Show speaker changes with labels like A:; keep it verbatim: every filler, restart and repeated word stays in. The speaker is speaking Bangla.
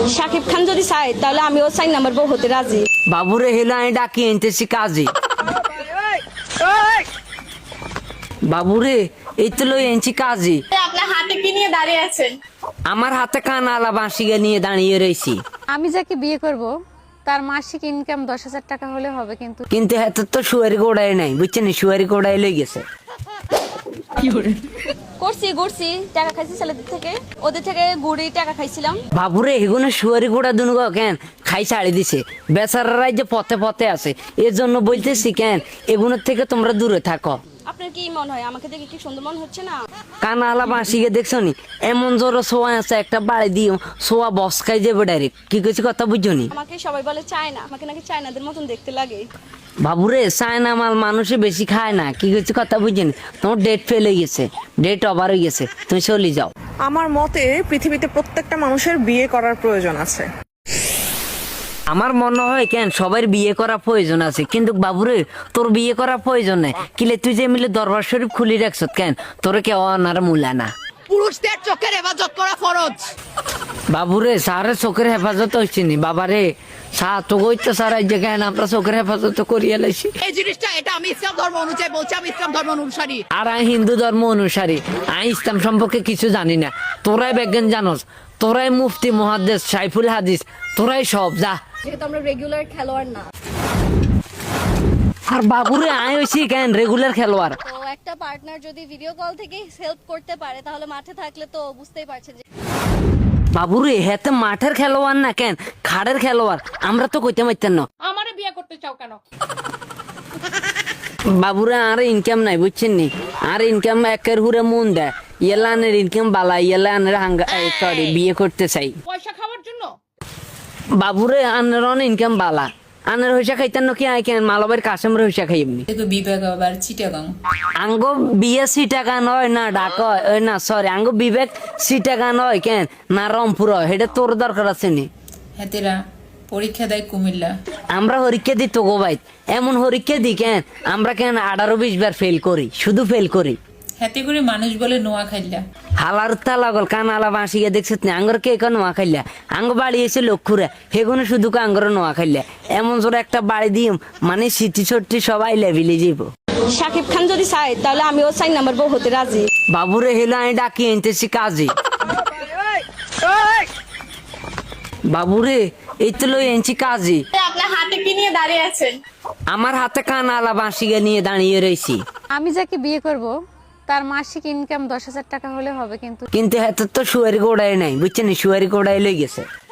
A: শাকিব খান যদি চাই তাহলে আমিও চাই নাম্বার বউ হতে রাজি।
B: বাবুরে হেলো আমি ডাকি এনতেছি কাজে। বাবুরে এই তো লই এনছি কাজে।
A: আপনার হাতে কি নিয়ে দাঁড়িয়ে আছেন?
B: আমার হাতে কানালা বাঁশিয়া নিয়ে দাঁড়িয়ে রয়েছি।
C: আমি যাকে বিয়ে করব তার মাসিক ইনকাম দশ হাজার টাকা হলে হবে, কিন্তু
B: কিন্তু হাতে তো শুয়ারি গোড়াই নাই, বুঝছেন? শুয়ারি গোড়াই লই গেছে।
A: করছি করছি টাকা খাইছি ছেলেদের থেকে, ওদের থেকে গুড়ি টাকা খাইছিলাম।
B: বাবুরে এগুলো শুয়ারি গোড়া দুনগো কেন খাই ছাড়ি দিছে, বেচারারাই যে পথে পথে আছে। এর জন্য বলতেছি কেন এগুলোর থেকে তোমরা দূরে থাকো।
A: আপনার কি মনে হয় আমাকে দেখে কি সুন্দর মনে হচ্ছে না?
B: কানালা বাঁশিকে দেখছো নি? এমন জোর সোয়া আছে একটা বাড়ি দিও সোয়া বসকাই যাবে ডাইরেক্ট। কি কইছি কথা বুঝছো নি?
A: আমাকে সবাই বলে চায় না, আমাকে নাকি চায়নাদের মতন দেখতে লাগে।
B: বাবুরে চায়না মাল মানুষে বেশি খায় না। কি কইছি কথা বুঝছেন? তোমার ডেট ফেল হয়ে গেছে, ডেট ওভার হয়ে গেছে, তুমি চলে যাও।
D: আমার মতে পৃথিবীতে প্রত্যেকটা মানুষের বিয়ে করার প্রয়োজন আছে।
B: আমার মনে হয় কেন সবার বিয়ে করা প্রয়োজন আছে, কিন্তু বাবুরে তোর বিয়ে করা প্রয়োজন নেই। কিলে তুই যে মিলে দরবার শরীফ খুলি রাখছ কেন, তোর কেউ আনার মূলা না।
E: পুরুষদের চোখের হেফাজত করা ফরজ।
B: বাবুরে সারের চোখের হেফাজত হচ্ছে নি। বাবারে সা তো কইতো সার যে কেন আমরা চোখের হেফাজত করিয়া লাইছি।
E: এই জিনিসটা এটা আমি ইসলাম ধর্ম অনুযায়ী বলছি, আমি ইসলাম ধর্ম অনুসারী।
B: আর আমি হিন্দু ধর্ম অনুসারী, আমি ইসলাম সম্পর্কে কিছু জানি না। তোরাই বিজ্ঞান জানোস, তোরাই মুফতি মুহাদ্দিস সাইফুল হাদিস, তোরাই সব যা।
A: যেহেতু আমরা রেগুলার খেলোয়াড় না,
B: আর বাবুরে আয় হইছি কেন রেগুলার খেলোয়াড়।
A: তো একটা পার্টনার যদি ভিডিও কল থেকে হেল্প করতে পারে তাহলে মাঠে থাকলে তো বুঝতেই পারছেন যে।
B: বাবুরে হেতে মাঠের খেলোয়াড় না কেন খাড়ের খেলোয়াড়, আমরা তো কইতে পারতেন না।
E: আমারে বিয়ে করতে চাও কেন?
B: বাবুরে আর ইনকাম নাই, বুঝছেন নি? আর ইনকাম একের হুরে মন দেয়। ইয়েলা আনের ইনকাম বালা, ইয়েলা আনের হাঙ্গা সরি বিয়ে করতে চাই।
E: পয়সা খাওয়ার জন্য?
B: বাবুরে আনের অন ইনকাম বালা, আনের হইসা খাইতেন নাকি আই কেন মালবের কাশেমের হইসা খাই এমনি।
F: বিবেক আবার চিটাগাং
B: আঙ্গ বিয়ে সি টাকা নয় না ঢাকা ওই না সরি আঙ্গ বিবেক সি টাকা নয় কেন না রংপুর, এটা তোর দরকার আছে নি।
F: হেতেরা পরীক্ষা দেয় কুমিল্লা।
B: আমরা হরিকে দি তো গো ভাই, এমন হরিকে দি কেন আমরা কেন আঠারো বিশ বার ফেল করি, শুধু ফেল করি।
F: হাতে করে মানুষ বলে নোয়া খাইলা।
B: হালার তালাগল কানালা বাঁশিয়ে দেখছিস না আঙ্গর কে কেন নোয়া খাইলা। আঙ্গ বাড়ি এসে লক্ষুরা হেগুনে শুধু আঙ্গর নোয়া খাইলা। এমন জোরে একটা বাড়ি দিম মানে সিটি ছট্টি সবাই লেভিলে যাইব।
A: শাকিব খান যদি চাই তাহলে আমিও চাই নাম্বার বউ হতে রাজি।
B: বাবুরে হেলো আমি ডাকি এনতেছি কাজে। বাবুরে এই তো লই এনছি কাজে।
A: আপনার হাতে কি নিয়ে দাঁড়িয়ে আছেন?
B: আমার হাতে কানালা বাঁশিয়া নিয়ে দাঁড়িয়ে রয়েছি।
C: আমি যাকে বিয়ে করব তার মাসিক ইনকাম দশ হাজার টাকা হলে হবে, কিন্তু
B: কিন্তু হাতে তো শুয়ারি গোড়াই নাই, বুঝছেন? শুয়ারি গোড়াই লই গেছে।